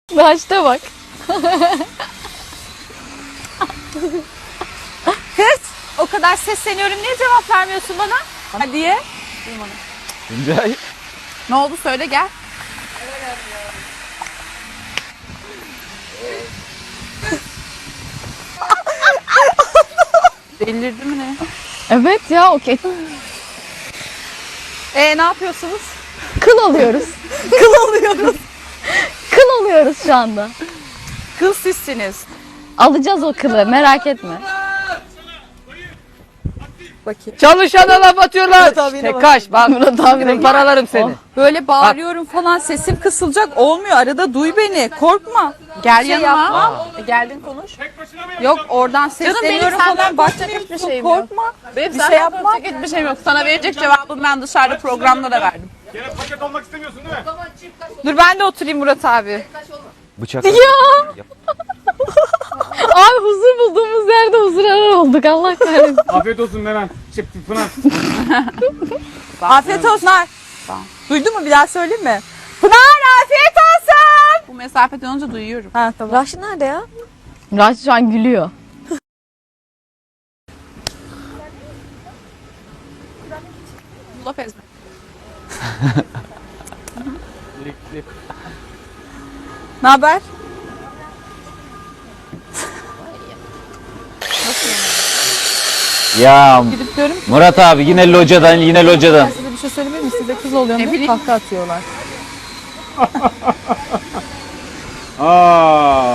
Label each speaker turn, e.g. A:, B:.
A: Başta bak.
B: Kız o kadar sesleniyorum niye cevap vermiyorsun bana? Hadiye.
C: Tuncay.
B: Ne oldu söyle gel. Delirdi mi ne?
A: Evet ya okey.
B: Ne yapıyorsunuz?
A: Kıl oluyoruz.
B: Kıl oluyoruz.
A: Kıl oluyoruz şu anda.
B: Kıl sizsiniz.
A: Alacağız o kılı merak etme.
B: Bakayım.
C: Çalışana laf atıyorlar. Tek kaç. Bak
A: Murat abine
C: benim paralarım seni.
B: Böyle bağırıyorum falan sesim kısılacak olmuyor. Arada duy beni. Korkma. Gel yanıma. Geldin konuş. Yok oradan sesleniyorum falan. Bakmıyorsun.
A: şey
B: Korkma.
D: Benim
B: Bir şey yapma.
D: Hiçbir şeyim yok. Sana verecek cevabımı ben dışarıda programda da verdim.
E: Gene paket olmak istemiyorsun değil mi?
B: Dur ben de oturayım Murat abi.
C: Bıçak.
A: Ya. Abi huzur bulduğumuz yerde huzur arar olduk Allah kahretsin.
E: Afiyet olsun Meren. Pınar.
B: Afiyet olsun. Pınar. Duydun mu bir daha söyleyeyim mi? Pınar afiyet olsun.
D: Bu mesafeden olunca duyuyorum.
B: Ha tamam.
A: Raşi nerede ya? Raşi şu an gülüyor.
D: Laf ezme.
B: Ne haber?
C: Ya
B: Gidip diyorum ki
C: Murat abi yine locadan yine locadan.
B: size bir şey söyleyebilir miyim? Size kız oluyorum diye kahkaha atıyorlar.
E: Aa.